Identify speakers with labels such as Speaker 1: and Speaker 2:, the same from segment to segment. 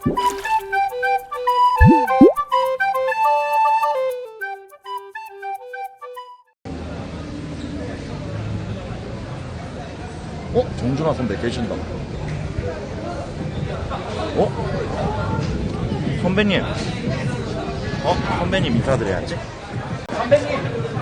Speaker 1: 정준하 선배 계신다. 선배님. 선배님 인사드려야지. 선배님.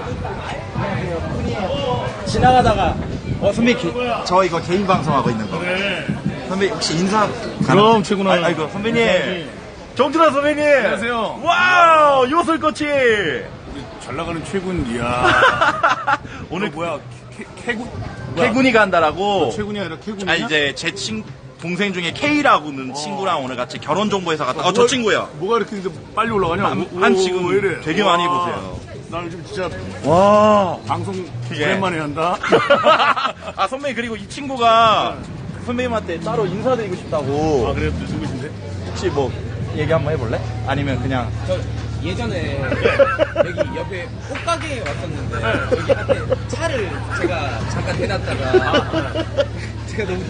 Speaker 1: 지나가다가 선배 저 이거 개인 방송하고 있는 거.
Speaker 2: 네.
Speaker 1: 선배 혹시 인사
Speaker 2: 그럼 최고나.
Speaker 1: 아이고 선배님. 정준하 선배님.
Speaker 2: 안녕하세요.
Speaker 1: 와우 요술꽃이.
Speaker 2: 우리 잘 나가는 최군. 이야.
Speaker 1: 오늘
Speaker 2: 뭐야? 캐군?
Speaker 1: 태군이 간다라고.
Speaker 2: 최군이 아니라 캐군이야?
Speaker 1: 이제 제 동생 중에 K라고는 친구랑 오늘 같이 결혼 정보회사 갔다. 저 친구야.
Speaker 2: 뭐가 이렇게 이제 빨리 올라가냐?
Speaker 1: 한 지금
Speaker 2: 왜 이래?
Speaker 1: 되게 많이 보세요.
Speaker 2: 나 요즘 진짜
Speaker 1: 와.
Speaker 2: 방송
Speaker 1: 예.
Speaker 2: 오랜만에 한다.
Speaker 1: 아 선배님 그리고 이 친구가 선배님한테 따로 인사드리고 싶다고.
Speaker 2: 아 그래? 누구신데?
Speaker 1: 혹시 뭐 얘기 한번 해볼래? 아니면 그냥
Speaker 3: 저 예전에 여기 옆에 옷가게에 왔었는데 여기 앞에 차를 제가 잠깐 대놨다가 제가 너무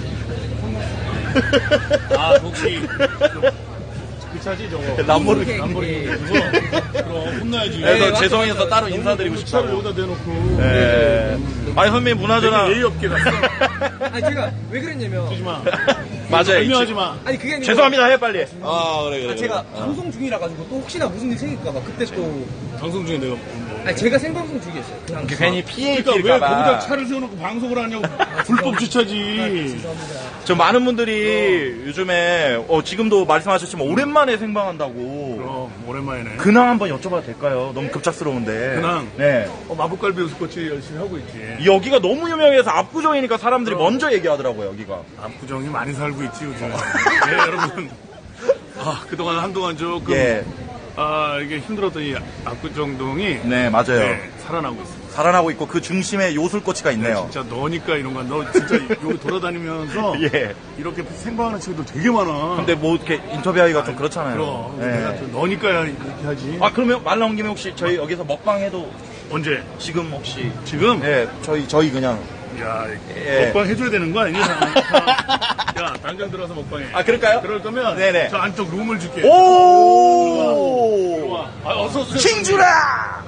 Speaker 2: 아 혹시 그 차지 저거?
Speaker 1: 람보르기니.
Speaker 2: 람보르기니 그거? 그럼 혼나야지.
Speaker 1: 그래서
Speaker 3: 네,
Speaker 1: 죄송해서
Speaker 3: 맞죠.
Speaker 1: 따로 인사드리고
Speaker 2: 차를
Speaker 1: 싶다고.
Speaker 2: 여기다 대놓고.
Speaker 1: 네. 아니 선배님 문화전화.
Speaker 2: 되게 예의 없게 갔어.
Speaker 3: 아니 제가 왜 그랬냐면
Speaker 2: 하지 마.
Speaker 1: 맞아요.
Speaker 2: 설명하지 마.
Speaker 3: 아니 그게 아니고
Speaker 1: 죄송합니다 해 빨리. 아 그래.
Speaker 3: 제가 방송 중이라 가지고 또 혹시나 무슨 일 생길까 봐 그때 또
Speaker 2: 방송 중에 내가
Speaker 3: 아니 제가 생방송 중이었어요 그냥
Speaker 1: 괜히 피해
Speaker 2: 그러니까 왜
Speaker 1: 입힐까봐.
Speaker 2: 거기다 차를 세워놓고 방송을 하냐고. 불법 주차지.
Speaker 3: 죄송합니다.
Speaker 1: 저 많은 분들이 요즘에 지금도 말씀하셨지만 오랜만에 생방한다고.
Speaker 2: 그럼 오랜만이네.
Speaker 1: 근황 한번 여쭤봐도 될까요? 너무 급작스러운데.
Speaker 2: 근황?
Speaker 1: 네.
Speaker 2: 마법갈비 요술꽃이 열심히 하고 있지.
Speaker 1: 여기가 너무 유명해서 압구정이니까 사람들이 먼저 얘기하더라고요, 여기가.
Speaker 2: 압구정이 많이 살고 있지 요즘. 예 여러분. 그동안 한동안 조금
Speaker 1: 예.
Speaker 2: 이게 힘들었던 이 압구정동이
Speaker 1: 네, 맞아요.
Speaker 2: 네, 살아나고 있습니다.
Speaker 1: 살아나고 있고 그 중심에 요술꽃이가 있네요.
Speaker 2: 진짜 너니까 이런 거. 너 진짜 여기 돌아다니면서
Speaker 1: 예.
Speaker 2: 이렇게 생방하는 친구들 되게 많아.
Speaker 1: 근데 뭐 이렇게 인터뷰하기가 좀 그렇잖아요.
Speaker 2: 그럼
Speaker 1: 네.
Speaker 2: 내가 또 너니까 이렇게 하지.
Speaker 1: 그러면 말 나온 김에 혹시 저희 여기서 먹방 해도
Speaker 2: 언제?
Speaker 1: 지금 혹시
Speaker 2: 지금?
Speaker 1: 네, 저희 그냥
Speaker 2: 야,
Speaker 1: 예.
Speaker 2: 먹방 해줘야 되는 거 아니냐? 야, 당장 들어가서 먹방해.
Speaker 1: 그럴까요?
Speaker 2: 그럴 거면
Speaker 1: 네네.
Speaker 2: 저 안쪽 룸을 줄게.
Speaker 1: 오!
Speaker 2: 들어와. 어서 오세요.
Speaker 1: 킹주라!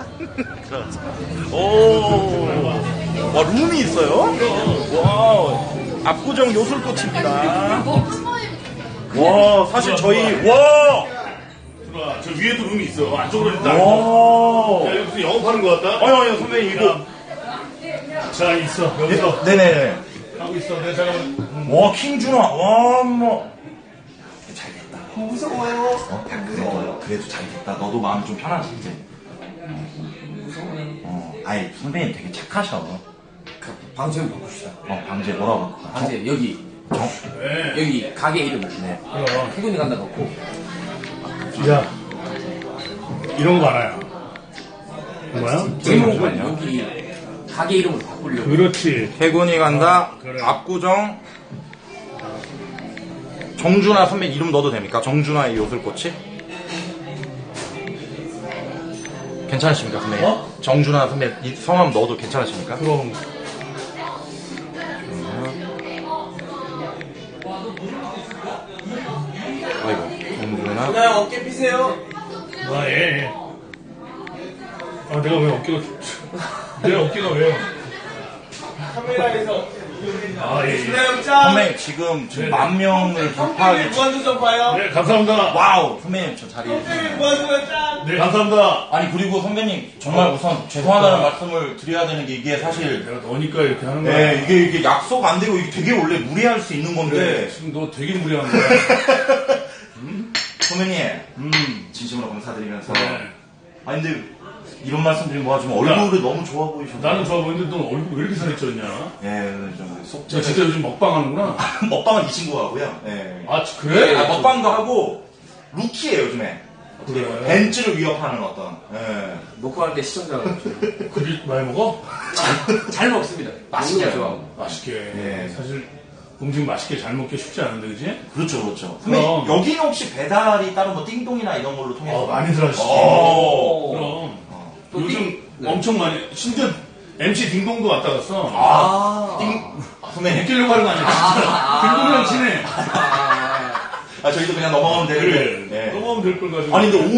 Speaker 1: 오! 와, 룸이 있어요? 와, 압구정 요술꽃입니다. 와, 사실 저희, 와!
Speaker 2: 들어와. 저 위에도 룸이 있어. 안쪽으로 일단.
Speaker 1: 와!
Speaker 2: 야, 여기 무슨 영업하는 거 같다?
Speaker 1: 아니, 선배님, 이거.
Speaker 2: 자, 있어. 여기서.
Speaker 1: 네네.
Speaker 2: 하고 있어. 내가 잠깐만.
Speaker 1: 와, 킹준아, 와, 뭐. 잘됐다. 무서워요. 무서워요. 그래도 잘됐다. 너도 마음이 좀 편하지, 이제. 무서워요. 아이, 선배님 되게 착하셔.
Speaker 3: 방제 좀 바꿉시다.
Speaker 1: 방제 뭐라고?
Speaker 3: 방제 여기
Speaker 2: 네.
Speaker 3: 여기 가게 이름을 태군이 간다 넣고
Speaker 2: 야. 이런 거 많아요. 뭐야?
Speaker 3: 제목을 여기 가게 이름을 바꾸려고.
Speaker 2: 그렇지.
Speaker 1: 태군이 간다.
Speaker 2: 그래.
Speaker 1: 압구정. 정준하 선배 이름 넣어도 됩니까? 정준하의 요술꽃이? 괜찮으십니까, 선배님? 정준하 선배 이 성함 넣어도 괜찮으십니까?
Speaker 2: 그럼.
Speaker 1: 아이고, 정준하.
Speaker 3: 그냥 어깨 피세요.
Speaker 2: 예. 내가 왜 어깨가, 내 어깨가 왜?
Speaker 3: 카메라에서
Speaker 2: 예.
Speaker 1: 선배님 지금 10,000명을 돌파하기
Speaker 3: 무한도전 봐요.
Speaker 2: 네, 감사합니다.
Speaker 1: 와우 선배님 저 자리
Speaker 3: 무한도전 짠.
Speaker 2: 네, 감사합니다.
Speaker 1: 아니 그리고 선배님 정말 우선 죄송하다는 말씀을 드려야 되는 게 이게 사실
Speaker 2: 내가 너니까 이렇게 하는 거야.
Speaker 1: 네, 이게 약속 안 되고 이게 되게 원래 무리할 수 있는 건데
Speaker 2: 지금 너 되게 무리한 거야.
Speaker 1: 선배님 진심으로 감사드리면서
Speaker 2: 네.
Speaker 1: 아니 근데 이런 말씀 드리면 뭐하지만 얼굴이 너무 좋아 보이셔서
Speaker 2: 나는 좋아 보이는데 너 얼굴 왜 이렇게 살이 쪘냐?
Speaker 1: 좀
Speaker 2: 너
Speaker 1: 속죄
Speaker 2: 진짜 요즘 먹방 하는구나?
Speaker 1: 먹방은 이 친구가 하고요 예.
Speaker 2: 그래?
Speaker 1: 먹방도 하고 루키예요 요즘에
Speaker 2: 그래.
Speaker 1: 벤츠를 위협하는 어떤
Speaker 3: 녹화할 때 시청자가
Speaker 2: 그리 많이 먹어?
Speaker 3: 잘 먹습니다. 맛있게 좋아하고.
Speaker 2: 맛있게.
Speaker 1: 예.
Speaker 2: 사실 음식 맛있게 잘 먹기 쉽지 않은데, 그지?
Speaker 1: 그렇죠.
Speaker 2: 그럼.
Speaker 1: 여기는 혹시 배달이 따로 뭐 띵동이나 이런 걸로 통해서?
Speaker 2: 많이들 하시지.
Speaker 1: 오.
Speaker 2: 그럼.
Speaker 3: 또
Speaker 2: 요즘
Speaker 3: 네.
Speaker 2: 엄청 많이, 심지어 MC 딩동도 왔다 갔어.
Speaker 1: 선배님.
Speaker 2: 웃기려고 하는 거 아니야? 딩동이랑 친해.
Speaker 1: 아, 저희도 그냥 넘어가면 되는데.
Speaker 2: 그래.
Speaker 1: 네.
Speaker 2: 넘어가면 될 걸 가지고.
Speaker 1: 아니, 근데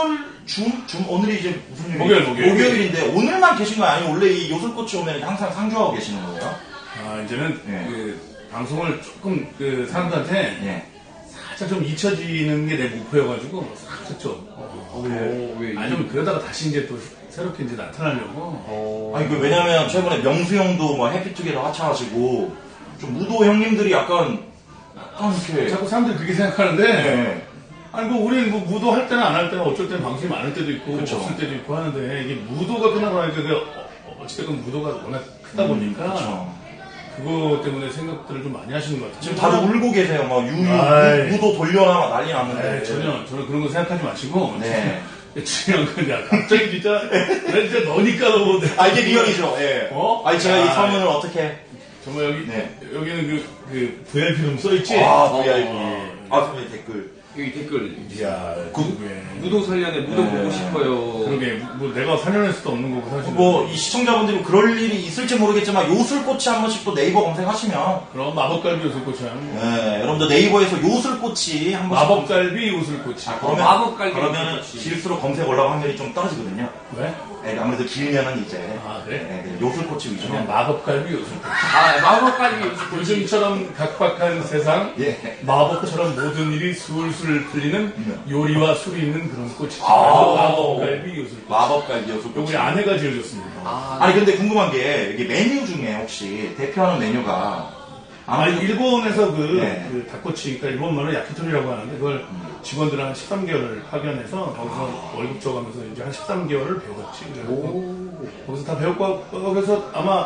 Speaker 1: 오늘이 이제 무슨 요일이에요? 목요일인데, 오늘만 계신 거 아니면 원래 이 요술꽃이 오면 항상 상주하고 계시는 거예요?
Speaker 2: 아, 이제는
Speaker 1: 네.
Speaker 2: 그 방송을 조금 그 사람들한테
Speaker 1: 네.
Speaker 2: 살짝 좀 잊혀지는 게 내 목표여가지고 살짝 좀.
Speaker 3: 왜?
Speaker 2: 아니, 좀 그러다가 다시 이제 또 새롭게 이제 나타나려고.
Speaker 1: 아니, 왜냐면 최근에 명수 형도 뭐 해피투게더 하차하시고, 좀 무도 형님들이 약간 이렇게.
Speaker 2: 자꾸 사람들이 그렇게 생각하는데.
Speaker 1: 네.
Speaker 2: 아니, 뭐, 우리는 뭐, 무도 할 때나 안 할 때나 어쩔 때는 방송이 많을 때도 있고,
Speaker 1: 그쵸.
Speaker 2: 없을 때도 있고 하는데, 이게 무도가 끝나고 나니까, 어찌됐건 무도가 워낙 크다 보니까,
Speaker 1: 그쵸.
Speaker 2: 그거 때문에 생각들을 좀 많이 하시는 것 같아요.
Speaker 1: 지금 다들 울고 계세요. 막
Speaker 2: 아이.
Speaker 1: 무도 돌려나 막 난리 났는데.
Speaker 2: 네, 전혀, 저는 그런 거 생각하지 마시고,
Speaker 1: 네.
Speaker 2: 중요한 건, 야, 갑자기 진짜, 나 진짜 너니까 너무.
Speaker 1: 아, 이게 리얼이죠. 예.
Speaker 2: 어?
Speaker 1: 아니, 제가 이
Speaker 2: 아,
Speaker 1: 서문을 어떻게.
Speaker 2: 정말 여기,
Speaker 1: 네.
Speaker 2: 여기는 그 VIP 좀 써있지?
Speaker 1: 아, VIP.
Speaker 2: 어.
Speaker 1: 선배님 댓글.
Speaker 3: 여기 댓글.
Speaker 2: 이야, 그게.
Speaker 3: 무도 살려내 무도
Speaker 1: 네.
Speaker 3: 보고 싶어요.
Speaker 2: 그러게, 뭐 내가 살려낼 수도 없는 거고, 사실.
Speaker 1: 뭐, 이 시청자분들이 그럴 일이 있을지 모르겠지만, 요술꽃이 한 번씩 또 네이버 검색하시면,
Speaker 2: 그럼 마법갈비 요술꽃이 하는 거.
Speaker 1: 네, 여러분들 네이버에서 요술꽃이 한 번씩.
Speaker 2: 마법갈비 요술꽃이.
Speaker 1: 그러면,
Speaker 3: 마법갈비
Speaker 1: 그러면
Speaker 3: 요술꽃이.
Speaker 1: 길수록 검색 올라갈 확률이 좀 떨어지거든요.
Speaker 2: 왜?
Speaker 1: 네, 아무래도 길면은 이제.
Speaker 2: 아, 그래?
Speaker 1: 네, 요술꽃이 위주로.
Speaker 2: 그냥 마법갈비 요술꽃.
Speaker 3: 마법갈비 요술꽃이.
Speaker 2: 요즘처럼 각박한 세상,
Speaker 1: 예.
Speaker 2: 마법처럼 모든 일이 술술 풀리는 요리와 술이 있는 그런 꽃이지.
Speaker 1: 아.
Speaker 2: 마법갈비 요술꽃.
Speaker 1: 마법갈비 요술꽃.
Speaker 2: 우리 아내가 지어줬습니다.
Speaker 1: 아니, 근데 궁금한 게, 이게 메뉴 중에 혹시 대표하는 메뉴가,
Speaker 2: 아니, 일본에서
Speaker 1: 네.
Speaker 2: 그 닭꼬치, 그러니까 일본말로 야키토리라고 하는데, 그걸 직원들 한 13개월을 파견해서 거기서 월급 줘가면서 이제 한 13개월을 배웠지. 그래서 거기서 다 배웠고, 그래서 아마,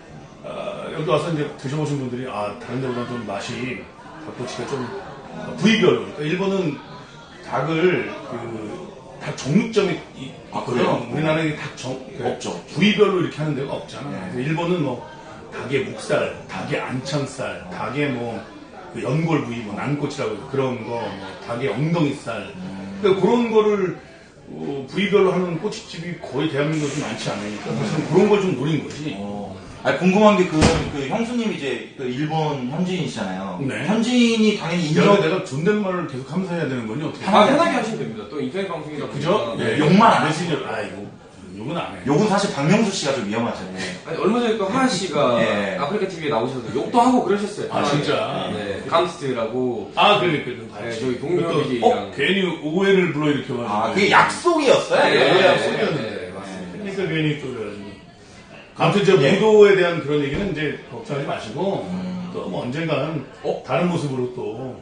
Speaker 2: 여기 와서 이제 드셔보신 분들이, 다른 데보다 좀 맛이, 닭꼬치가 좀, 부위별로. 그러니까 일본은 닭을, 닭 종육점이
Speaker 1: 그래요?
Speaker 2: 우리나라에
Speaker 1: 없죠.
Speaker 2: 부위별로 이렇게 하는 데가 없잖아.
Speaker 1: 네.
Speaker 2: 그래서 일본은 뭐, 닭의 목살, 닭의 안창살, 닭의 그 연골 부위, 난꼬치라고 해서 그런 거, 닭의 엉덩이살. 그러니까 그런 거를 부위별로 하는 꼬치집이 거의 대한민국에 많지 않으니까 사실은 그런 걸 좀 노린 거지.
Speaker 1: 아니, 궁금한 게 그 형수님이 이제 그 일본 현지인이시잖아요.
Speaker 2: 네.
Speaker 1: 현지인이 당연히
Speaker 2: 이러면
Speaker 1: 인정.
Speaker 2: 내가 존댓말을 계속 하면서 해야 되는 거니 어떻게?
Speaker 3: 편하게 하시면 됩니다. 또 인터넷 방송이다
Speaker 2: 그죠?
Speaker 3: 보니까.
Speaker 2: 네.
Speaker 1: 욕만 안
Speaker 2: 메신저, 이거 욕은 안 해.
Speaker 1: 욕은 사실 박명수 씨가 좀 위험하잖아요.
Speaker 3: 아니, 얼마 전에 또 하하 씨가
Speaker 1: 예.
Speaker 3: 아프리카 TV에 나오셔서 욕도 하고 그러셨어요.
Speaker 2: 아,
Speaker 3: 편하게.
Speaker 2: 진짜?
Speaker 3: 네. 강스트라고.
Speaker 2: 그러니까.
Speaker 3: 네, 저희 동료 BJ랑.
Speaker 2: 괜히 오해를 불러일으켜가지고.
Speaker 1: 그게 약속이었어요?
Speaker 2: 네.
Speaker 3: 맞습니다.
Speaker 2: 그러니까 괜히 또 그래가지고. 아무튼 이제 무도에 대한 그런 얘기는 이제 걱정하지 마시고 또 뭐 언젠가는 다른 모습으로 또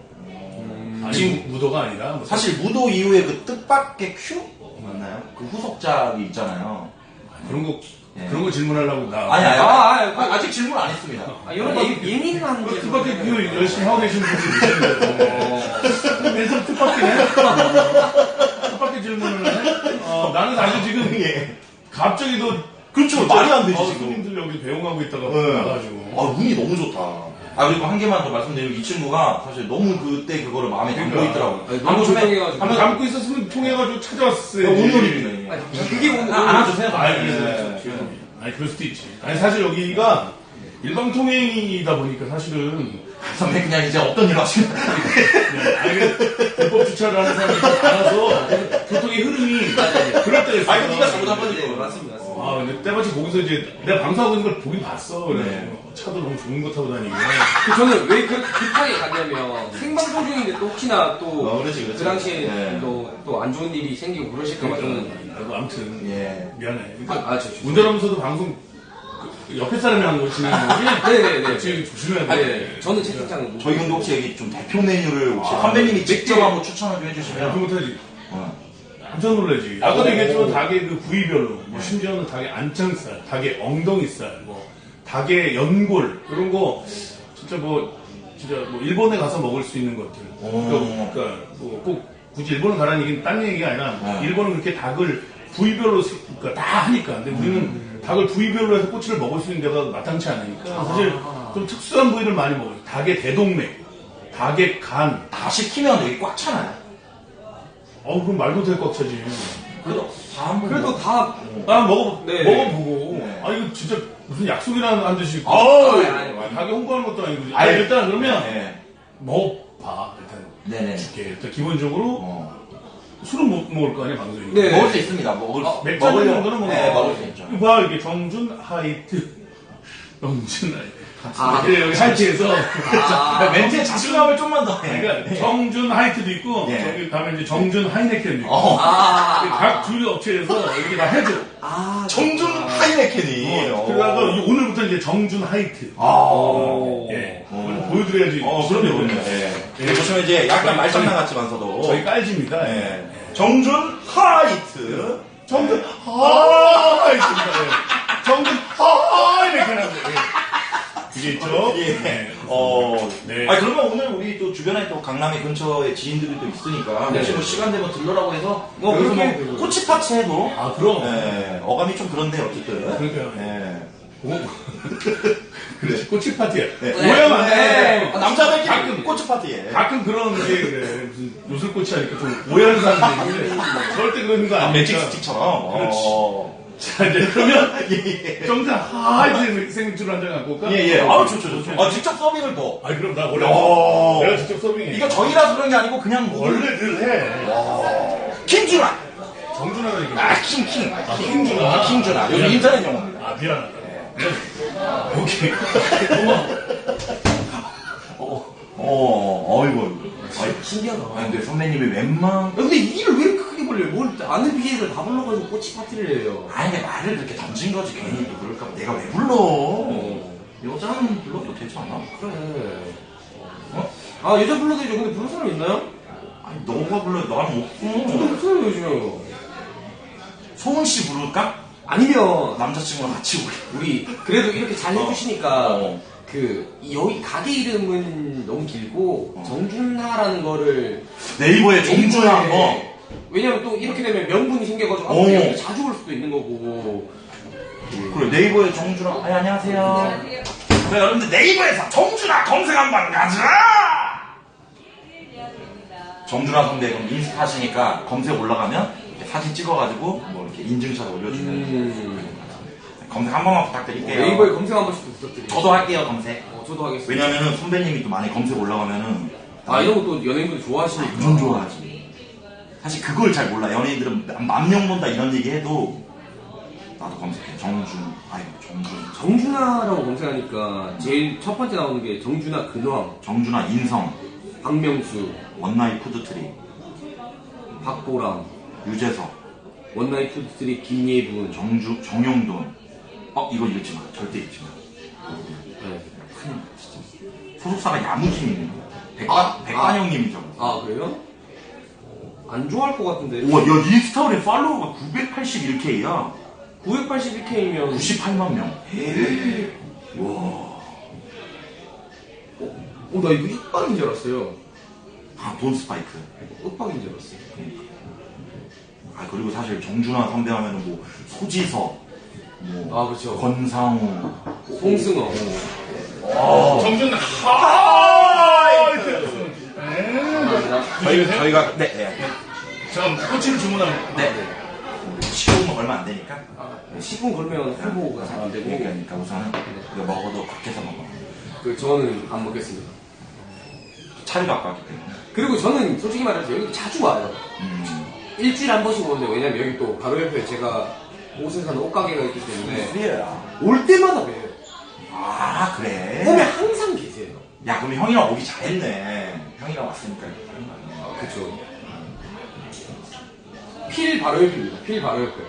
Speaker 2: 아니 무도가 아니라 뭐
Speaker 1: 사실 무도 이후에 그 뜻밖의 큐? 맞나요? 그 후속작이 있잖아요.
Speaker 2: 그런 거
Speaker 1: 예.
Speaker 2: 그런 거 질문하려고 나
Speaker 1: 아직 질문 안 했습니다.
Speaker 3: 이런 예민한 게.
Speaker 2: 뜻밖의 그 열심히 하고 계신 분들이 계시는데 계속 뜻밖이네. 뜻밖의 질문을 해. 나는 사실 지금
Speaker 1: 예.
Speaker 2: 갑자기 또
Speaker 1: 그렇죠. 말이 안 되지, 지금.
Speaker 2: 손님들 여기 배웅하고 있다가
Speaker 1: 네.
Speaker 2: 나가지고.
Speaker 1: 운이 너무 좋다. 그리고 한 개만 더 말씀드리면 이 친구가 사실 너무 그때 그거를 마음에 담고
Speaker 2: 그러니까.
Speaker 1: 있더라고요.
Speaker 3: 아니, 너무 조용해가지고.
Speaker 2: 한번 담고 있었으면 통해가지고 찾아왔어요.
Speaker 1: 오늘입니다.
Speaker 3: 아니, 그게 오늘
Speaker 1: 안아주세요.
Speaker 2: 아니 그럴 수도 있지. 아니 사실 여기가 일방통행이다 보니까 사실은
Speaker 1: 선배 그냥 이제 없던 일로 하시면
Speaker 2: 아니 불법 주차를 하는 사람이 많아서 교통의 흐름이 그럴 때가 있어.
Speaker 1: 아니, 네가 잘못한 거지.
Speaker 3: 네, 맞습니다.
Speaker 2: 근데 때마침 거기서 이제 내가 방송하고 있는 걸 보긴 봤어. 그래.
Speaker 1: 네.
Speaker 2: 차도 너무 좋은 거 타고 다니고.
Speaker 3: 저는 왜 그렇게 급하게 갔냐면 생방송 중인데 또 혹시나 또
Speaker 1: 그렇지.
Speaker 3: 그 당시에
Speaker 1: 예.
Speaker 3: 또 안 좋은 일이 생기고 그러실까봐 저는
Speaker 2: 아무튼
Speaker 1: 예.
Speaker 2: 미안해.
Speaker 3: 운전하면서도
Speaker 2: 운전하면서도 방송 옆에 사람이 한 거 진행하는 거지?
Speaker 3: 네네네.
Speaker 2: 지금 조심해야
Speaker 3: 아니,
Speaker 2: 돼.
Speaker 3: 저는 채팅창
Speaker 1: 저희 형도 혹시 여기 좀 대표 메뉴를 혹시 선배님이 직접 한번 추천을 좀 해주시면
Speaker 2: 그렇게 못하지.
Speaker 1: 어.
Speaker 2: 깜짝 놀라지.
Speaker 1: 오.
Speaker 2: 아까도 얘기했지만 닭의 그 부위별로, 뭐 심지어는 닭의 안창살, 닭의 엉덩이살, 뭐 닭의 연골 이런 거 진짜 뭐 일본에 가서 먹을 수 있는 것들. 그러니까 뭐 꼭 굳이 일본을 가라는 얘기는 딴 얘기가 아니라 일본은 그렇게 닭을 부위별로 그러니까 다 하니까. 근데 우리는 닭을 부위별로 해서 꼬치를 먹을 수 있는 데가 마땅치 않으니까 사실 좀 특수한 부위를 많이 먹어요. 닭의 대동맥, 닭의 간.
Speaker 1: 다 시키면 여기 꽉 차나요?
Speaker 2: 그럼 말도 될 것 차지.
Speaker 1: 그래도 다 한번
Speaker 3: 그래도 다
Speaker 2: 먹어보고.
Speaker 3: 네.
Speaker 1: 네.
Speaker 2: 이거 진짜 무슨 약속이라는 한 듯이.
Speaker 1: 아니,
Speaker 2: 닭이 홍보하는 것도 아니고.
Speaker 1: 아니,
Speaker 2: 일단 그러면
Speaker 1: 네.
Speaker 2: 먹어봐. 일단
Speaker 1: 네네.
Speaker 2: 줄게. 일단 기본적으로 술은 못 먹을 거 아니야, 방송에.
Speaker 3: 네.
Speaker 1: 먹을 수 있습니다.
Speaker 2: 맥주 먹는 거는 뭐.
Speaker 1: 네, 먹을 수 있죠.
Speaker 2: 봐, 이렇게 정준 하이트. 정준 하이트.
Speaker 3: 아,
Speaker 2: 여기 하이트에서.
Speaker 1: 멘트에 자신감을 좀만 더 해.
Speaker 2: 그러니까 정준 하이트도 있고,
Speaker 1: 네.
Speaker 2: 저기 가면 이제 정준 하이네켄도 있고. 각 주류 업체에서 이렇게 다 해줘.
Speaker 1: 정준 하이네켄이.
Speaker 2: 그래서 오늘부터 이제 정준 하이트. 예. 보여드려야지.
Speaker 1: 그럼요. 예. 보시면 이제 약간 말장난 같지만서도.
Speaker 2: 저희 깔집니다.
Speaker 1: 예. 정준 하이트.
Speaker 2: 정준 하이트입니다. 예. 정준 하이네켄. 그게 있죠?
Speaker 1: 예.
Speaker 2: 네. 네.
Speaker 1: 아니, 그러면 오늘 우리 또 주변에 또 강남의 근처에 지인들이 또 있으니까.
Speaker 3: 네.
Speaker 1: 혹시 뭐 시간 되면 들러라고 해서.
Speaker 3: 그렇게
Speaker 1: 여기서
Speaker 3: 해도
Speaker 1: 뭐 꼬치파치 해도.
Speaker 2: 아, 그럼.
Speaker 1: 예. 어감이 좀 그런데, 어쨌든.
Speaker 2: 그러니까요.
Speaker 1: 예.
Speaker 2: 그래. 꼬치 파티야.
Speaker 1: 네.
Speaker 2: 오해하면 안 돼.
Speaker 1: 남자들끼리
Speaker 2: 가끔.
Speaker 1: 꼬치파티에.
Speaker 2: 가끔 그런 게 그래. 무슨 요술꼬치 하니까 좀 오해하는 사람들이 있는데 절대 그런 거 아니니까.
Speaker 1: 매직 스틱처럼.
Speaker 2: 그렇지. 자, 이제 그러면 정자 하이트 생맥주를 한잔 갖고 올까?
Speaker 1: 예. 아우, 좋죠. 직접 서빙을 또.
Speaker 2: 아, 그럼 나 원래 내가 직접 서빙해.
Speaker 1: 이거 저희라서 그런 게 아니고 그냥
Speaker 2: 원래 늘 해.
Speaker 1: 킹준아.
Speaker 2: 정준하가 얘기해.
Speaker 1: 킹준아. 킹준아. 요즘 인터넷 용어입니다.
Speaker 2: 아, 미안하다. 오케이.
Speaker 1: 어이구.
Speaker 3: 신기하다.
Speaker 1: 아니, 근데 선배님이 웬만.
Speaker 3: 근데 이 일을 왜 이렇게 크게 벌려요? 뭘 아는 PA를 다 불러가지고 꼬치 파티를 해요.
Speaker 1: 아니, 근데 말을 그렇게 던진 거지. 괜히 또 그럴까 봐. 내가 왜 불러? 여자는 불러도 되지 않아?
Speaker 3: 그래. 아, 여자 불러도 되죠. 근데 부를 사람 있나요?
Speaker 1: 아니, 너가 불러. 나는
Speaker 3: 저도
Speaker 1: 없고.
Speaker 3: 없어요, 요즘에.
Speaker 1: 소은 씨 부를까?
Speaker 3: 아니면,
Speaker 1: 남자친구랑 같이
Speaker 3: 우리, 그래도 이렇게 잘 해주시니까,
Speaker 1: 어.
Speaker 3: 여기 가게 이름은 너무 길고, 정준하라는 거를.
Speaker 1: 네이버에 정준하 한 거.
Speaker 3: 왜냐면 또 이렇게 되면 명분이 생겨가지고,
Speaker 1: 어.
Speaker 3: 여기 자주 올 수도 있는 거고.
Speaker 1: 그래, 네이버에 정준하. 아니, 안녕하세요. 그래, 여러분들 네이버에서 정준하 검색 한번 가자! 정준하 선배 그럼 인스타 하시니까 검색 올라가면 이렇게 사진 찍어가지고 뭐 이렇게 인증샷 올려주면 검색 한 번만 부탁드릴게요.
Speaker 3: 네이버에 검색 한 번씩 부탁드려요.
Speaker 1: 저도 할게요, 검색.
Speaker 3: 저도 하겠습니다.
Speaker 1: 왜냐면은 선배님이 또 많이 검색 올라가면은
Speaker 3: 이런 것도 연예인들 좋아하시니까.
Speaker 1: 완전 좋아하지. 사실 그걸 잘 몰라. 연예인들은 만 명 본다 이런 얘기 해도 나도 검색해. 정준.
Speaker 3: 정준하라고 검색하니까 제일 첫 번째 나오는 게 정준하 근황,
Speaker 1: 정준하 인성,
Speaker 3: 박명수,
Speaker 1: 원나잇 푸드트리,
Speaker 3: 박보람,
Speaker 1: 유재석,
Speaker 3: 원나잇 푸드트리 김예분,
Speaker 1: 정용돈. 이거 읽지 마. 절대 읽지 마.
Speaker 3: 네.
Speaker 1: 소속사가 야무짐이네. 백관형님이죠.
Speaker 3: 그래요? 안 좋아할 것 같은데.
Speaker 1: 우와, 야, 인스타그램 팔로워가 981K야.
Speaker 3: 981K면
Speaker 1: 98만 명.
Speaker 3: 와. 나 이거 윽박인 줄 알았어요.
Speaker 1: 돈 스파이크.
Speaker 3: 윽박인 줄 알았어요.
Speaker 1: 그리고 사실 정준하 선배 하면은 뭐, 소지섭, 뭐,
Speaker 3: 그렇죠.
Speaker 1: 권상우,
Speaker 3: 송승헌.
Speaker 2: 정준 하이트.
Speaker 1: 저희가, 네.
Speaker 2: 자, 꼬치를 주문하면.
Speaker 1: 네. 식용은 얼마 안 되니까.
Speaker 3: 10분 걸면 홍보가 잘 안 되고.
Speaker 1: 그러니까 우선은 이거 먹어도 밖에서 먹어.
Speaker 3: 저는 안 먹겠습니다.
Speaker 1: 차를 갖고 왔기 때문에.
Speaker 3: 그리고 저는 솔직히 말해서 여기 자주 와요. 일주일에 한 번씩 오는데, 왜냐면 여기 또 바로 옆에 제가 옷을 사는 옷가게가 있기 때문에
Speaker 1: 그래요.
Speaker 3: 올 때마다 봬요.
Speaker 1: 그래.
Speaker 3: 오면 항상 계세요.
Speaker 1: 야, 그럼 형이랑 오기 잘했네. 형이랑 왔으니까 이렇게 하는 거 아니야.
Speaker 3: 그쵸. 필 바로 옆입니다. 필 바로 옆에.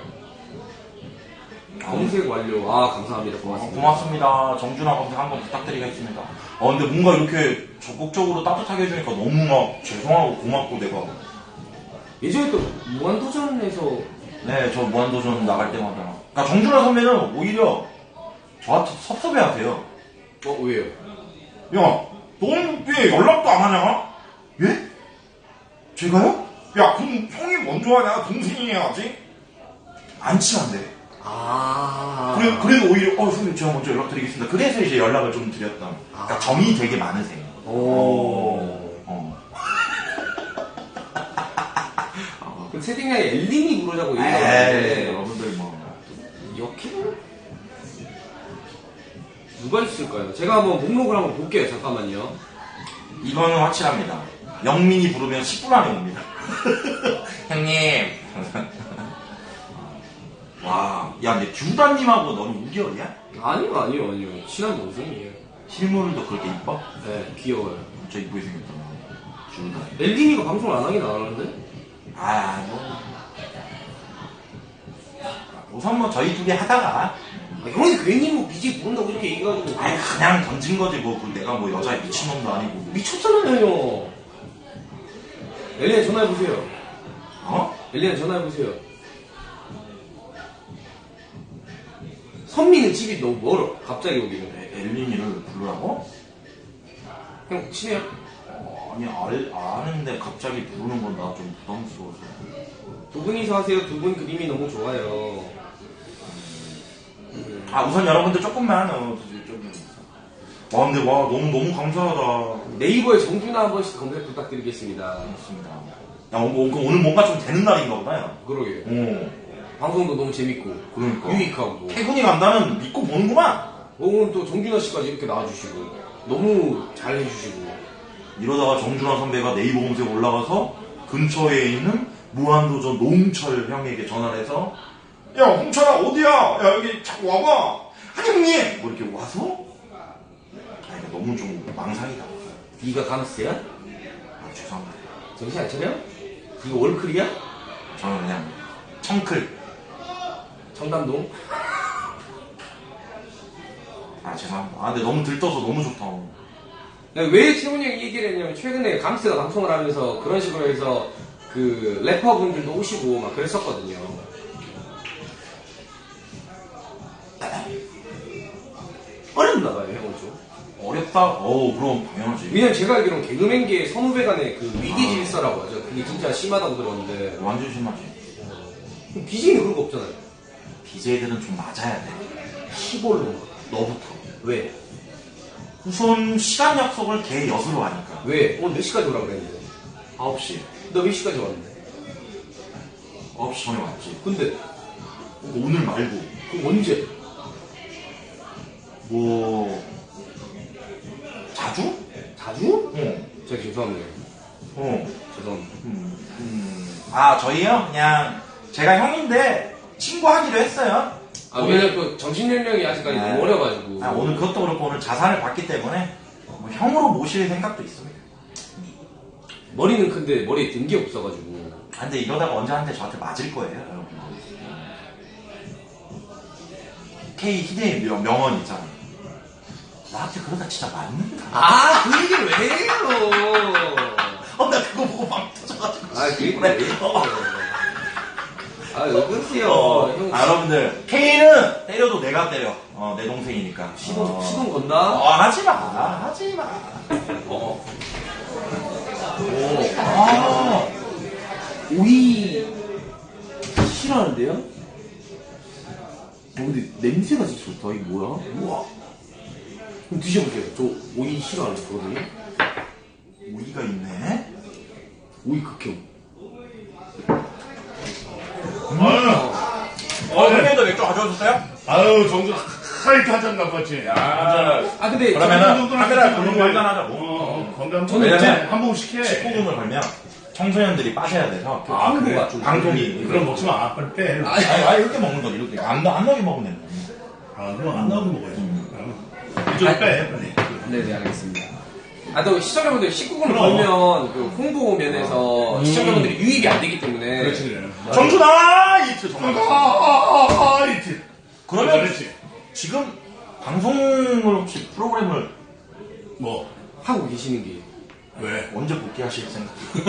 Speaker 3: 검색 완료. 감사합니다. 고맙습니다.
Speaker 1: 고맙습니다. 정준하 검색 한번 부탁드리겠습니다. 근데 뭔가 이렇게 적극적으로 따뜻하게 해주니까 너무 막 죄송하고 고맙고 내가.
Speaker 3: 예전에 또 무한도전에서
Speaker 1: 네, 저 무한도전 나갈 때마다. 그러니까 정준하 선배는 오히려 저한테 섭섭해 하세요.
Speaker 3: 왜요?
Speaker 1: 야, 넌 왜 연락도 안 하냐? 예? 제가요? 야, 그럼 형이 먼저 하냐? 동생이 해야지? 안 친한데. 그래도 오히려, 선생님 제가 먼저 연락드리겠습니다. 그래서 이제 연락을 좀 드렸다. 그러니까 정이 되게 많으세요.
Speaker 3: 그럼 채팅창에 엘린이 부르자고 얘기하는데
Speaker 1: 여러분들 뭐.
Speaker 3: 역해는 누가 있을까요? 제가 한번 목록을 한번 볼게요. 잠깐만요.
Speaker 1: 이거는 확실합니다. 영민이 부르면 10분 안에 옵니다. 형님. 와, 야, 근데 듀다님하고 너는 우결이야?
Speaker 4: 아니요. 친한 동생이에요.
Speaker 1: 실물도 그렇게 이뻐?
Speaker 4: 네, 귀여워요.
Speaker 1: 진짜 이쁘게 생겼잖아. 듀다.
Speaker 4: 엘린이가 방송을 안 하긴 안 하는데?
Speaker 1: 아, 우선 뭐 저희 둘이 하다가
Speaker 4: 형이 괜히 뭐 BJ 부른다고 이렇게 얘기해가지고.
Speaker 1: 아니 그냥 던진 거지 뭐 내가 뭐 여자에 미친놈도 아니고.
Speaker 4: 미쳤잖아요, 형. 엘린이 전화해보세요.
Speaker 1: 어?
Speaker 4: 엘린이 전화해보세요. 선미는 집이 너무 멀어. 갑자기 오기는.
Speaker 1: 엘린이를 부르라고?
Speaker 4: 형, 친해요?
Speaker 1: 아니 아는데 갑자기 부르는 건 나 좀 부담스러워서.
Speaker 4: 두 분이서 하세요. 두 분 그림이 너무 좋아요.
Speaker 1: 아 우선 여러분들 조금만 와 근데 와 너무 감사하다.
Speaker 4: 네이버에 정준하 한 번씩 검색 부탁드리겠습니다.
Speaker 1: 고맙습니다. 야 오늘 뭔가 좀 되는 날인가 보다.
Speaker 4: 그러게요.
Speaker 1: 어.
Speaker 4: 방송도 너무 재밌고
Speaker 1: 그러니까.
Speaker 4: 유익하고
Speaker 1: 태군이 간다는 믿고 보는구만.
Speaker 4: 오늘 또 정준하 씨까지 이렇게 나와주시고 너무 잘 해주시고
Speaker 1: 이러다가 정준하 선배가 네이버 검색 올라가서 근처에 있는 무한도전 노홍철 형에게 전화를 해서 야 홍철아 어디야? 야 여기 자꾸 와봐. 한형님 뭐 이렇게 와서 아 이거 너무 좀 망상이다.
Speaker 4: 네가 가너스야?
Speaker 1: 아 죄송합니다.
Speaker 4: 정신 안 차려? 이거 월클이야?
Speaker 1: 저는 그냥 청클.
Speaker 4: 청담동?
Speaker 1: 아 죄송합니다. 아 근데 너무 들떠서 너무 좋다.
Speaker 4: 왜 채훈이 형이 얘기를 했냐면 최근에 감스가 방송을 하면서 그런 식으로 해서 그 래퍼분들도 오시고 막 그랬었거든요. 어렵나 봐요, 형은 좀.
Speaker 1: 어렵다? 그럼 당연하지.
Speaker 4: 왜냐면 제가 알기로는 개그맨계 선후배 간의 그 위기 질서라고 하죠. 그게 진짜 심하다고 들었는데
Speaker 1: 완전 심하지.
Speaker 4: BJ는 그런 거 없잖아요.
Speaker 1: BJ들은 좀 맞아야 돼.
Speaker 4: 시골로.
Speaker 1: 너부터.
Speaker 4: 왜?
Speaker 1: 우선 시간 약속을 개 엿으로 하니까.
Speaker 4: 왜? 오늘 몇 시까지 오라고 그랬는데?
Speaker 1: 9시.
Speaker 4: 너 몇 시까지 왔는데?
Speaker 1: 9시 전에 왔지.
Speaker 4: 근데
Speaker 1: 오늘 말고.
Speaker 4: 그럼 언제?
Speaker 1: 뭐 자주?
Speaker 4: 자주?
Speaker 1: 응.
Speaker 4: 제가 죄송합니다. 죄송합니다.
Speaker 1: 아 저희요? 그냥 제가 형인데 친구하기로 했어요.
Speaker 4: 왜냐면 그 정신연령이 아직까지
Speaker 1: 네.
Speaker 4: 너무 어려가지고.
Speaker 1: 오늘 그것도 그렇고 오늘 자산을 받기 때문에 뭐 형으로 모실 생각도 있습니다.
Speaker 4: 머리는 큰데 머리에 든 게 없어가지고.
Speaker 1: 근데 이러다가 언제 한테 저한테 맞을 거예요 여러분들. K 희대의 명언 있잖아요. 나한테 그러다 진짜 맞는다.
Speaker 4: 그 얘기를 왜 해요?
Speaker 1: 나 그거 보고 막 터져가지고.
Speaker 4: 그 얘기를 왜 해요? 왜 그러세요? 형,
Speaker 1: 여러분들 K는 때려도 내가 때려. 내 동생이니까.
Speaker 4: 시동 건다?
Speaker 1: 하지마.
Speaker 4: 오이 싫어하는데요? 근데 냄새가 진짜 좋다. 이게 뭐야? 우와. 그럼 드셔보세요. 저 오이 싫어하는 거거든요.
Speaker 1: 오이가 있네.
Speaker 4: 오이 극혐.
Speaker 1: 형님도 맥주 가져오셨어요?
Speaker 2: 아유, 정수 하이트 한잔 갖고 왔지.
Speaker 4: 근데
Speaker 1: 그러면은 카메라 보는 거 한잔 하자고.
Speaker 2: 건강
Speaker 4: 저는
Speaker 1: 왜냐면
Speaker 2: 한 번씩 해.
Speaker 1: 19금을 걸면 청소년들이 빠져야 돼서
Speaker 4: 한국가 좀
Speaker 1: 방송이.
Speaker 2: 그럼 먹지 마. 빨리 빼.
Speaker 1: 이렇게 먹는 거지. 이렇게 안 나게 먹으면 되는 거야.
Speaker 2: 그럼 안 나오는 먹어야지. 이쪽 빼, 빨리.
Speaker 4: 네, 알겠습니다. 또 시청자분들 19금을
Speaker 2: 그럼.
Speaker 4: 걸면 그 홍보 면에서 시청자분들이 유입이 안 되기 때문에.
Speaker 2: 그렇지, 그래.
Speaker 1: 정준아! 이트 정말.
Speaker 2: 이트.
Speaker 1: 그러면
Speaker 2: 그렇지.
Speaker 1: 지금 방송을 혹시 프로그램을
Speaker 2: 뭐,
Speaker 4: 하고 계시는 게.
Speaker 2: 왜?
Speaker 1: 언제 복귀하실 생각?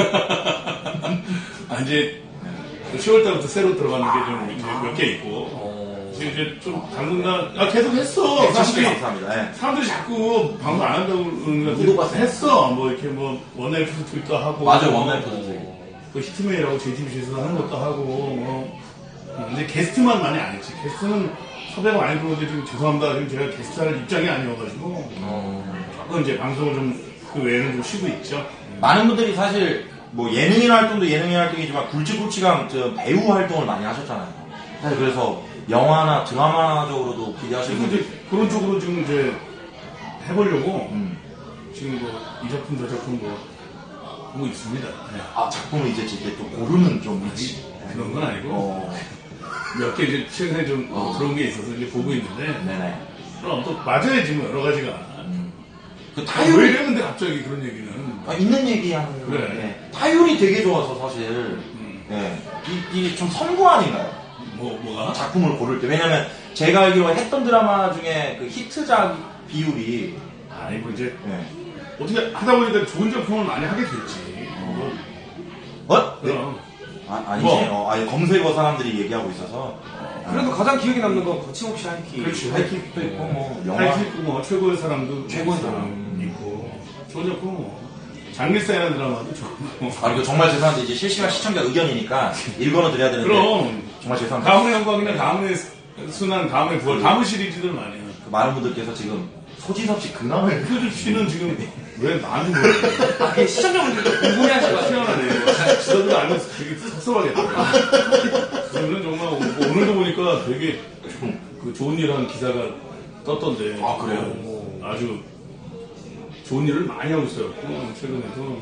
Speaker 2: 이제 10월 달부터 새로 들어가는 게 좀 몇 개 있고. 지금 이제 좀 당분간 계속 했어.
Speaker 1: 사실 감사합니다. 네.
Speaker 2: 사람들이 자꾸 방송 안 한다고 그러는
Speaker 4: 못 봤어요.
Speaker 2: 했어. 뭐 이렇게 뭐 원나잇 트윗도 하고.
Speaker 1: 맞아, 원나잇 트윗.
Speaker 2: 그 히트메이라고 JTBC에서 하는 것도 하고. 뭐. 근데 게스트만 많이 안 했지. 게스트는 섭외가 많이 들어오는데 지금 죄송합니다. 지금 제가 게스트 할 입장이 아니어가지고. 조금 이제 방송을 좀 그 외에는 좀 쉬고 있죠.
Speaker 1: 많은 분들이 사실 뭐 예능인 활동도 예능인 활동이지만 굵직굵직한 배우 활동을 많이 하셨잖아요. 사실 그래서 영화나 드라마적으로도 기대하시는
Speaker 2: 그래서
Speaker 1: 분들.
Speaker 2: 이제 그런 쪽으로 지금 이제 해보려고 지금 뭐 이 작품 저 작품 뭐 보고 있습니다. 네.
Speaker 1: 아, 작품을 이제 또 고르는 좀 있지.
Speaker 2: 그런 건 아니고 몇 개 이제 최근에 좀 들어온 게 있어서 이제 보고 있는데
Speaker 1: 네네.
Speaker 2: 그럼 또 맞아야지 뭐 여러 가지가.
Speaker 1: 그
Speaker 2: 왜
Speaker 1: 타율이
Speaker 2: 이랬는데 갑자기 그런 얘기는.
Speaker 1: 있는 얘기하는
Speaker 2: 그래.
Speaker 1: 예. 타율이 되게 좋아서 사실 예. 이게 좀 선구 아닌가요?
Speaker 2: 뭐가?
Speaker 1: 작품을 고를 때. 왜냐면 제가 알기로 했던 드라마 중에 그 히트작 비율이
Speaker 2: 아니 뭐 이제
Speaker 1: 예.
Speaker 2: 어떻게 하다 보니까 좋은 작품을 많이 하게 됐지.
Speaker 1: 뭐?
Speaker 2: 그럼.
Speaker 1: 아니지.
Speaker 2: 뭐?
Speaker 1: 아니, 검색어 사람들이 얘기하고 있어서.
Speaker 4: 그래도 가장 기억에 남는 건 거침없이 하이킥.
Speaker 2: 그렇지.
Speaker 1: 하이킥도 있고, 뭐, 영화.
Speaker 2: 하이킥 있고 뭐 최고의 사람도
Speaker 1: 최고의
Speaker 2: 있고 좋은 작품 뭐 장미사이라는 드라마도 좋고.
Speaker 1: 아, 이거 정말 죄송한데, 이제 실시간 시청자 의견이니까 읽어는 드려야 되는데.
Speaker 2: 그럼
Speaker 1: 정말 죄송합니다.
Speaker 2: 가문의 영광이나 가문의 순환, 가문의 부활, 가문 시리즈들 많이 해요.
Speaker 1: 그 많은 분들께서 지금 소진섭 씨 근황을.
Speaker 2: 표준 씨는 지금 왜 나한테 물어요?
Speaker 4: 시청자분들도 궁금해하실 것 같아요.
Speaker 2: 희한하네. 지도도 알면서 되게 섭섭하겠다. 저는 정말 오늘도 보니까 되게 그 좋은 일 한 기사가 떴던데.
Speaker 1: 아, 그래요?
Speaker 2: 아주 좋은 일을 많이 하고 있어요. 최근에도.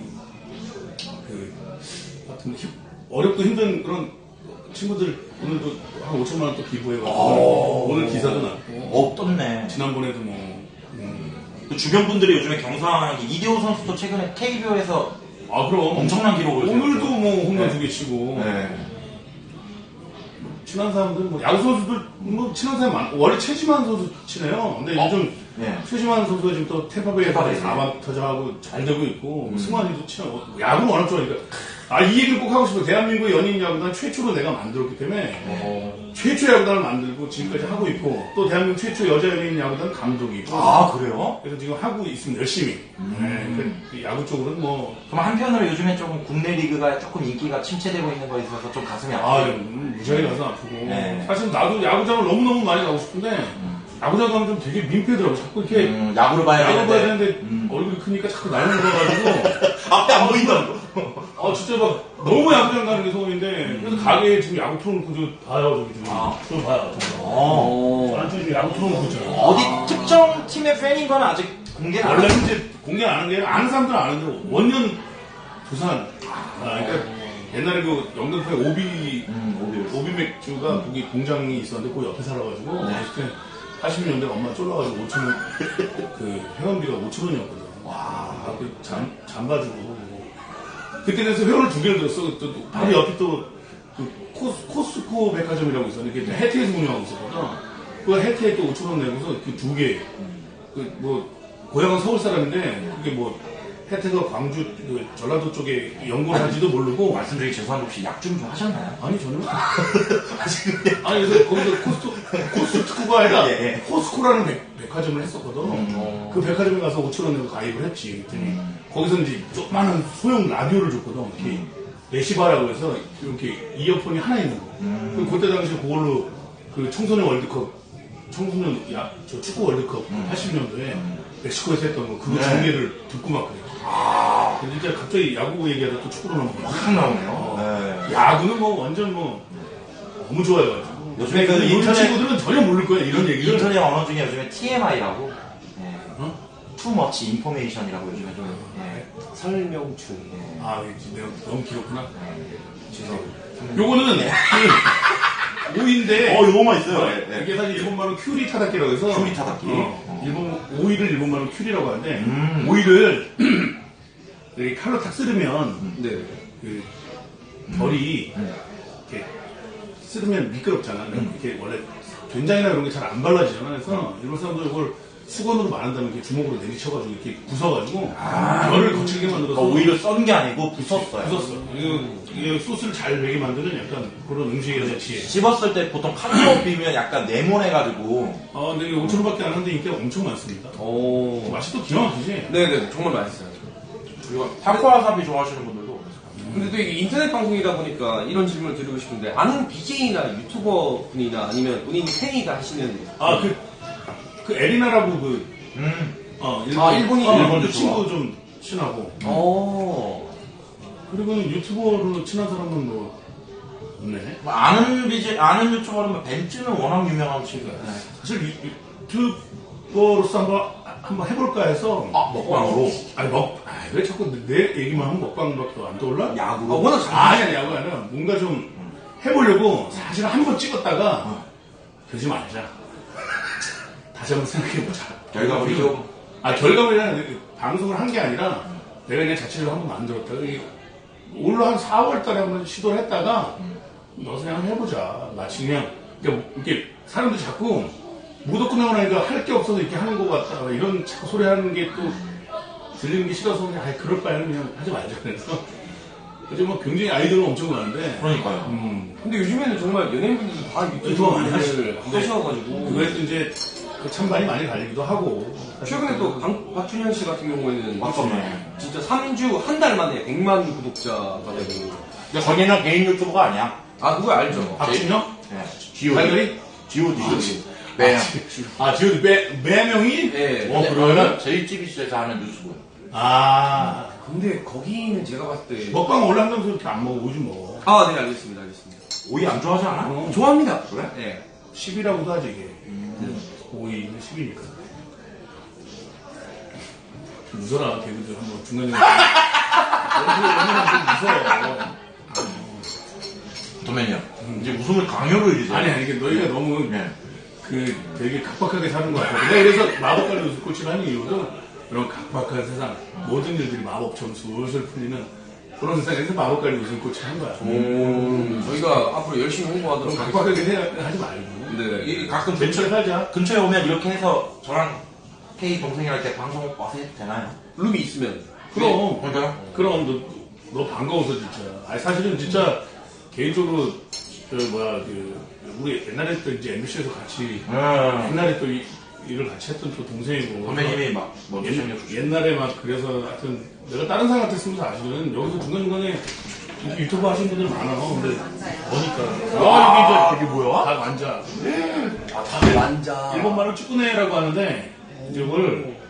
Speaker 2: 하여튼 어렵고 힘든 그런 친구들 오늘도 한 5천만 원 또 기부해가지고 오늘 기사도 났고.
Speaker 1: 떴네.
Speaker 2: 지난번에도 뭐.
Speaker 1: 그 주변 분들이 요즘에 경상하는 게 이대호 선수도 최근에 KBO에서
Speaker 2: 아, 그럼.
Speaker 1: 엄청난 기록을
Speaker 2: 오늘도
Speaker 1: 세웠죠.
Speaker 2: 뭐 홈런
Speaker 1: 네.
Speaker 2: 2개 치고.
Speaker 1: 네.
Speaker 2: 친한 사람들, 뭐, 야구 선수들, 뭐, 친한 사람 많, 원래 최지만 선수 치네요. 근데 요즘,
Speaker 1: 네.
Speaker 2: 최지만 선수가 지금 또 템파베이에서
Speaker 1: 템파베이.
Speaker 2: 4번 터져하고 잘 되고 있고, 승환이도 친하고, 야구는 워낙 좋아하니까. 아, 이 얘기를 꼭 하고 싶어요. 대한민국 연예인 야구단 최초로 내가 만들었기 때문에, 최초 야구단을 만들고 지금까지 하고 있고, 또 대한민국 최초 여자 연예인 야구단 감독이고.
Speaker 1: 아, 그래요?
Speaker 2: 그래서 지금 하고 있습니다. 열심히. 네, 그 야구 쪽으로는 뭐,
Speaker 1: 그럼 한편으로 요즘에 조금 국내 리그가 조금 인기가 침체되고 있는 거에 있어서 좀 가슴이
Speaker 2: 아,
Speaker 1: 아프고.
Speaker 2: 무지하게 가서 아프고.
Speaker 1: 네.
Speaker 2: 사실 나도 야구장을 너무너무 많이 가고 싶은데, 야구장 가면 좀 되게 민폐더라고. 자꾸 이렇게,
Speaker 1: 야구를 봐야
Speaker 2: 야구 봐야
Speaker 1: 되는데.
Speaker 2: 되는데, 얼굴이 크니까 자꾸 나이 먹어가지고,
Speaker 1: 앞에 안 보인다고.
Speaker 2: 진짜 막, 너무 야구장 가는 게 소원인데, 그래서 가게에 지금 야구 틀어놓고 좀 봐요, 저기 좀. 좀 봐요. 저한테 지금 야구 틀어놓고 있잖아요.
Speaker 1: 어디 특정 팀의 팬인 건 아직 공개는 안
Speaker 2: 원래는 이제 공개 안 하는 게, 아는 사람들은 아는데, 원년 부산. 그러니까, 옛날에 그 영등포에 오비 맥주가 거기 공장이 있었는데 그 옆에 살아가지고 어렸을 때 80년대 엄마 쫄라가지고 5천원 그 회원비가 5천원이었거든. 와, 그 잠가지고 그때 그래서 회원을 2개를 들었어. 또 바로 옆에 또 그 코스코 백화점이라고 있었는데 그게 해태에서 운영하고 있었거든. 그 해태에 또 5천원 내고서 그 2개 그 뭐 고향은 서울 사람인데 그게 뭐 혜태가 광주, 그 전라도 쪽에 연구를 하지도 모르고.
Speaker 1: 말씀드리기 죄송한데 혹시 약좀 좀 하셨나요?
Speaker 2: 아니, 전혀. 아니, 그래서 거기서 코스트코가 아니라
Speaker 1: 예.
Speaker 2: 코스코라는 백화점을 했었거든. 그 백화점에 가서 5천원 내고 가입을 했지. 그랬더니 거기서 이제 조그마한 소형 라디오를 줬거든. 이렇게 레시바라고 해서 이렇게 이어폰이 하나 있는 거. 그리고 그때 당시 그걸로 그 청소년 월드컵, 저 축구 월드컵 80년도에 멕시코에서 했던 거, 그거 중계를 듣고 막 그래요. 근데 진짜 갑자기 야구 얘기하다 또 축구로 넘어가.
Speaker 1: 확 나오네요. 네.
Speaker 2: 야구는 뭐 완전 뭐 너무 좋아해가지고.
Speaker 1: 요즘에 그
Speaker 2: 요즘
Speaker 1: 인터넷
Speaker 2: 친구들은 전혀 모를 거야, 이런 얘기를.
Speaker 1: 인터넷 언어 중에 요즘에 TMI라고 Too Much Information이라고 요즘에 좀
Speaker 4: 설명충.
Speaker 2: 아, 내가 너무 길었구나. 요거는 그 오이인데.
Speaker 1: 요거만 있어요. 네.
Speaker 2: 이게 사실 일본말로 큐리 타다키라고 해서.
Speaker 1: 큐리 타다키.
Speaker 2: 오이를 일본말로 큐리라고 하는데, 오이를 이렇게 칼로 탁 쓰르면,
Speaker 4: 네.
Speaker 2: 그 벌이 이렇게 쓰르면 미끄럽잖아. 이렇게 원래 된장이나 이런 게 잘 안 발라지잖아. 그래서 일본 사람들 이걸 수건으로 마른 다음에 이렇게 주먹으로 내리쳐가지고 이렇게 부숴가지고 열을 거칠게 만들어서
Speaker 1: 오이를 썬 게 아니고 부쉈어요.
Speaker 2: 부쉈어. 이게 소스를 잘 배게 만드는 약간 그런 음식의 자치에.
Speaker 1: 씹었을 때 보통 칼로 비면 약간 네모내가지고.
Speaker 2: 근데 이게 5천원밖에 안 하는데 인기가 엄청 많습니다.
Speaker 4: 오.
Speaker 2: 맛이 또 기가 막히지?
Speaker 4: 네네, 정말 맛있어요.
Speaker 1: 그리고 타코와사비 좋아하시는 분들도.
Speaker 4: 근데 또 이게 인터넷 방송이다 보니까 이런 질문을 드리고 싶은데, 아는 BJ나 유튜버 분이나 아니면 본인 팬이가 하시는.
Speaker 2: 그 에리나라고
Speaker 4: 일본인
Speaker 2: 그 친구 좀 친하고. 그리고는 유튜버로 친한 사람은 뭐 없네.
Speaker 1: 아는 유튜버라면 벤츠는 워낙 유명한 친구예요.
Speaker 2: 사실 유튜버로서 한번 해볼까 해서.
Speaker 1: 먹방으로?
Speaker 2: 아니 왜 자꾸 내 얘기만 하면 먹방밖에 안 떠올라?
Speaker 1: 야구로.
Speaker 3: 워낙 잘
Speaker 2: 아니, 야구 아니라 뭔가 좀 해보려고 사실 한 번 찍었다가 그러지 말자. 다시 한번 생각해보자.
Speaker 1: 결과물이 좀.
Speaker 2: 결과물이란 방송을 한 게 아니라 내가 그냥 자체로 한번 만들었다가 올라 한 4월 달에 한번 시도를 했다가 너 그냥 해보자. 마치 그냥 이렇게 사람들이 자꾸 무덕분하고 나니까 할 게 없어서 이렇게 하는 것 같다. 이런 자꾸 소리 하는 게 또 들리는 게 싫어서 그냥 그럴 바에는 그냥 하지 말자. 그래서 요즘 뭐 굉장히 아이디어가 엄청 많은데
Speaker 1: 그러니까요.
Speaker 4: 근데 요즘에는 정말 연예인분들도 다
Speaker 2: 유튜브 많이
Speaker 4: 유튜브를 하셔가지고
Speaker 2: 그거에도 이제 그 찬반이 많이 갈리기도 하고
Speaker 4: 최근에 또 박준현 씨 같은 경우에는
Speaker 1: 맞췄네.
Speaker 4: 진짜 3주 한 달 만에 100만 구독자가 되고
Speaker 1: 근데 거기는 개인 유튜버가 아니야.
Speaker 4: 아 그거 알죠?
Speaker 2: 박준영?
Speaker 1: 네. G.O.D.
Speaker 2: 달걀이?
Speaker 1: G.O.D. 네.
Speaker 2: 지금 매명이?
Speaker 4: 네.
Speaker 1: 그러면 JTBC에서 하는 유튜브.
Speaker 4: 근데 거기는 제가 봤을 때
Speaker 2: 먹방 원래 한다면서 이렇게 안 먹어, 오지 뭐.
Speaker 4: 아, 네, 알겠습니다.
Speaker 1: 오이 안 좋아하지 않아?
Speaker 4: 좋아합니다.
Speaker 1: 그래?
Speaker 4: 네.
Speaker 2: 10이라고도 하지, 이게. 5위는 10이니까. 좀 웃어라, 개그들 한번 중간중간. 좀 웃어.
Speaker 1: 도면요. 이제 웃음을 강요로 해주세요.
Speaker 2: 아니, 이게 너희가 너무
Speaker 1: 네.
Speaker 2: 되게 각박하게 사는 것 같아. 내가 그래서 마법관리 웃음꽃을 하는 이유도 이런 각박한 세상, 모든 일들이 마법처럼 술술 풀리는 그런 세상에서 마법관리 웃음꽃을 한 거야.
Speaker 4: 저희가 앞으로 열심히 홍보하도록
Speaker 2: 그럼
Speaker 4: 하겠습니다.
Speaker 2: 각박하게 하지 말고.
Speaker 4: 네.
Speaker 1: 이 가끔
Speaker 2: 근처에 살자.
Speaker 1: 근처에 오면 이렇게 해서 저랑 K 동생이랑 이렇게 방송 와서 해도 되나요?
Speaker 4: 룸이 있으면.
Speaker 2: 그럼.
Speaker 1: 그러니까요.
Speaker 2: 그럼 너 반가워서 진짜. 아니 사실은 진짜 개인적으로 우리 옛날에 또 이제 MBC에서 같이 옛날에 또 일을 같이 했던 또 동생이고
Speaker 1: 선배님이 막뭐
Speaker 2: 옛날에 막 그래서 하여튼 내가 다른 사람 같았으면 사실은 여기서 중간중간에 유튜브 하시는 분들 많아. 근데 보니까
Speaker 1: 이게 뭐야?
Speaker 2: 다 완자.
Speaker 3: 완자.
Speaker 2: 일본 말로 쭈꾸네라고 하는데 이제 이걸